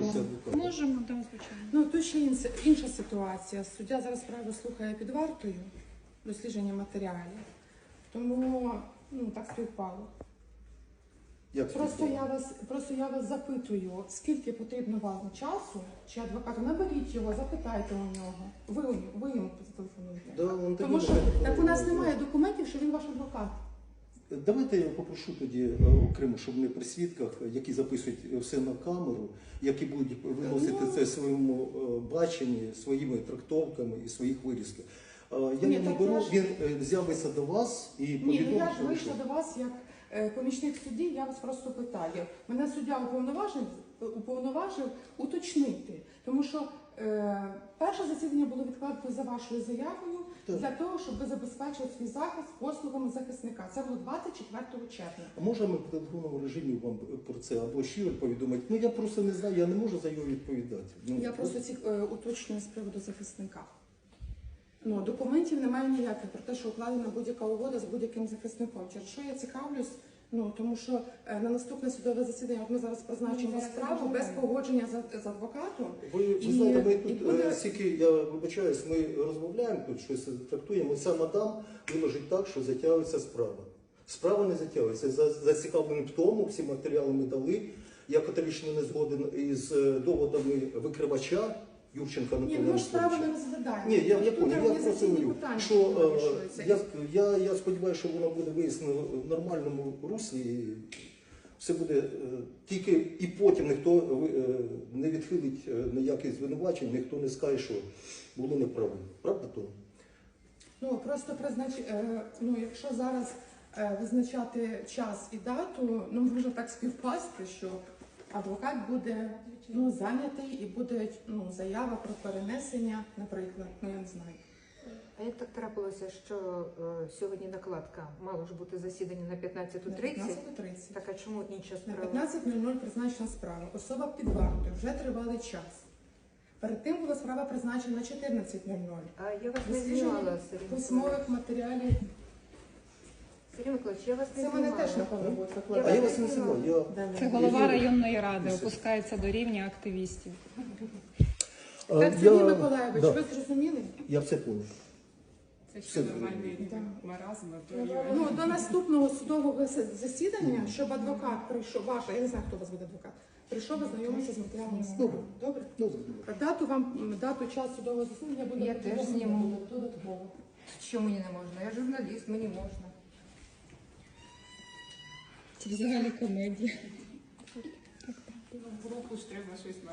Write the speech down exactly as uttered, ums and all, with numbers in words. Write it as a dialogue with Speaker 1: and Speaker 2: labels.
Speaker 1: допомогти адвокату?
Speaker 2: Можемо, так, звичайно.
Speaker 3: Ну, тут ще інша, інша ситуація. Суддя зараз справу слухає під вартою, дослідження матеріалів. Тому, ну, так співпало.
Speaker 1: Як
Speaker 3: Просто я вас, просто я вас запитую, скільки потрібно вам часу, чи адвокату, наберіть його, запитайте у нього. Ви, ви йому зателефонуєте.
Speaker 1: Да, он
Speaker 3: Тому що так у нас немає документів, що він ваш адвокат.
Speaker 1: Давайте я попрошу тоді е, окремо, щоб ми при свідках, які записують все на камеру, які будуть виносити
Speaker 3: Ну,
Speaker 1: це своєму е, баченні, своїми трактовками і своїх вирізках. Е, Я
Speaker 3: Ні,
Speaker 1: не
Speaker 3: так
Speaker 1: беру,
Speaker 3: я ж-
Speaker 1: він е, з'явиться до вас і
Speaker 3: Ні, ну
Speaker 1: повідомить,
Speaker 3: я ж
Speaker 1: що-
Speaker 3: вийшла до вас як е, помічник судді, я вас просто питаю. Мене суддя уповноважив, уповноважив уточнити, тому що е, перше засідання було відкладено за вашою заявою
Speaker 1: Так.
Speaker 3: для того, щоб ви забезпечили свій захист послугами захисника. Це було двадцять четвертого червня.
Speaker 1: А може ми в телефонному режимі вам про це або щиро повідомити? Ну я просто не знаю, я не можу за його відповідати. Ну,
Speaker 3: Я просто ці е, уточнюю з приводу захисника. Ну, документів немає ніяких про те, що укладена будь-яка угода з будь-яким захисником. Через що я цікавлюсь? Ну, тому що е, на наступне судове засідання, от ми зараз призначимо справу без погодження з, з адвокатом.
Speaker 1: Ви, ви
Speaker 3: І-
Speaker 1: знаєте, ми
Speaker 3: і
Speaker 1: тут
Speaker 3: буде-
Speaker 1: е, стільки, я вибачаюсь, ми розмовляємо тут, щось трактуємо. Ця мадам виложить так, що затягується справа. Справа не затягується. За- Зацікавлені в тому, всі матеріали ми дали. Я категорично не згоден із е, доводами викривача Юрченка
Speaker 3: Ні,
Speaker 1: Анатолія
Speaker 3: ми ж справу не
Speaker 1: Анатолійовича.
Speaker 3: розглядаємо.
Speaker 1: Ні, я, я
Speaker 3: Тут
Speaker 1: понял, я просто
Speaker 3: організаційні
Speaker 1: говорю,
Speaker 3: питання
Speaker 1: що
Speaker 3: вирішуються.
Speaker 1: е, я, я, я сподіваюся, що воно буде вияснено в нормальному руслі. І все буде е, тільки і потім ніхто е, не відхилить е, ніяких звинувачень, ніхто не скаже, що було неправильно. Правда, то?
Speaker 3: Ну, просто признач... е, ну, якщо зараз е, визначати час і дату, ну, може так співпасти, що адвокат буде ну, зайнятий і буде ну, заява про перенесення, наприклад, ну я не знаю.
Speaker 4: А як так трапилося, що е, сьогодні накладка мало ж бути засідання на п'ятнадцяту
Speaker 3: На
Speaker 4: тридцять?
Speaker 3: п'ятнадцяту тридцять.
Speaker 4: Так, а чому інша
Speaker 3: На
Speaker 4: справа?
Speaker 3: п'ятнадцять нуль нуль призначена справа. Особа під вартою, вже тривалий час. Перед тим була справа призначена на чотирнадцять нуль нуль.
Speaker 4: А я вас не
Speaker 3: Дослідження
Speaker 4: знімала, Сергій Миколаївич.
Speaker 3: письмових матеріалів.
Speaker 4: Сергій Миколаївич, я вас не
Speaker 3: Це
Speaker 4: знімала.
Speaker 3: мене теж напевно буде
Speaker 1: А
Speaker 3: викладати.
Speaker 1: я вас не знаю. Я...
Speaker 3: Да, ні.
Speaker 2: Це голова
Speaker 1: Я-
Speaker 2: районної ради опускається до рівня активістів.
Speaker 1: А,
Speaker 3: Так, Сергій Миколаївич,
Speaker 1: да,
Speaker 3: ви зрозуміли?
Speaker 1: я все понял.
Speaker 5: Це
Speaker 1: Все
Speaker 5: ще нормальний
Speaker 3: Так.
Speaker 5: маразм, то рівень.
Speaker 3: Ну, до наступного судового зас- засідання, щоб адвокат прийшов, ваш, я не знаю, хто у вас буде адвокат, прийшов ознайомитися з матеріалами справи. Добре?
Speaker 1: Добре.
Speaker 3: Дату вам, дату, час судового засідання буде
Speaker 4: Я теж
Speaker 3: повідомлено
Speaker 4: зніму.
Speaker 3: додатково.
Speaker 4: Що мені не можна? Я журналіст, мені можна.
Speaker 2: Це взагалі комедія.
Speaker 5: В руку ж треба щось